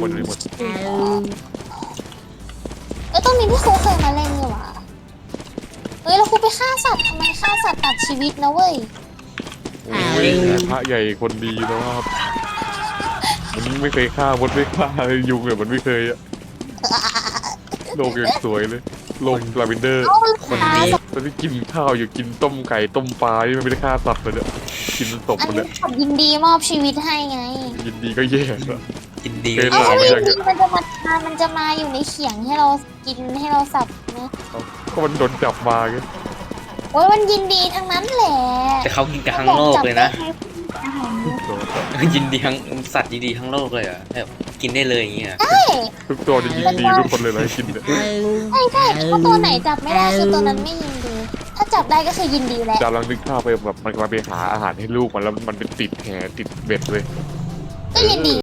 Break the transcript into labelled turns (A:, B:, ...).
A: มดรีโมท
B: ตรงนี้พี่ครูเคยมาเล่นนี่หว่าแล้วครูไปฆ่าสัตว์ทำไมฆ่าสัตว์ตัดชีวิตนะเว้ย
A: โอ้ยพระใหญ่คนดีนะครับมันไม่เคยฆ่ามดไม่ฆ่ายุงเนี่ยมันไม่เคยอะโลกยังสวยเลยโลกลาเวนเดอร์
B: คนดี
A: ตอนที่กินข้าวอยู่กินต้มไก่ต้มปลาที่มันไม่ได้ฆ่าสัตว์เลยเนี่ยกินศพ
B: อัน
A: มัน
B: นี้
A: เนี่ย
B: ผมยินดีมอบชีวิตให้ไง
A: ยินดีก็แย่แล้ว
C: กินดี
A: เป็น
B: เอา
A: หร
B: ไม่
A: ไม่
B: ยิ
A: ใช่
B: นดีมันจะมาอยู่ในเขียงให้เรากินให้เราสับนะ
A: ก็มันโดนจับมาไง
B: โอ้ยมันยินดีทั้งนั้นแหละ
C: แต่เขากินกันทั้งโลกเลยนะ
A: โดนจับ
C: ยินดีทั้งสัตว์ดีๆทั้งโลกเลยเหรอแบบกินได้เลยอย่างเงี้ย
A: ทุกตัวจะยินดีทุกคนเลยนะกินเนี่ย
B: ใช่ถ้าตัวไหนจับไม่ได้คือตัวนั้นไม่ยินดี ถ้าจับได้ก็คือยินดีแหละ
A: ดาวลังนึกภาพไปแบบมันกำลังไปหาอาหารให้ลูกมันแล้วมันเป็นติดแหติดเบ็ดเลย
B: ก็ยินดี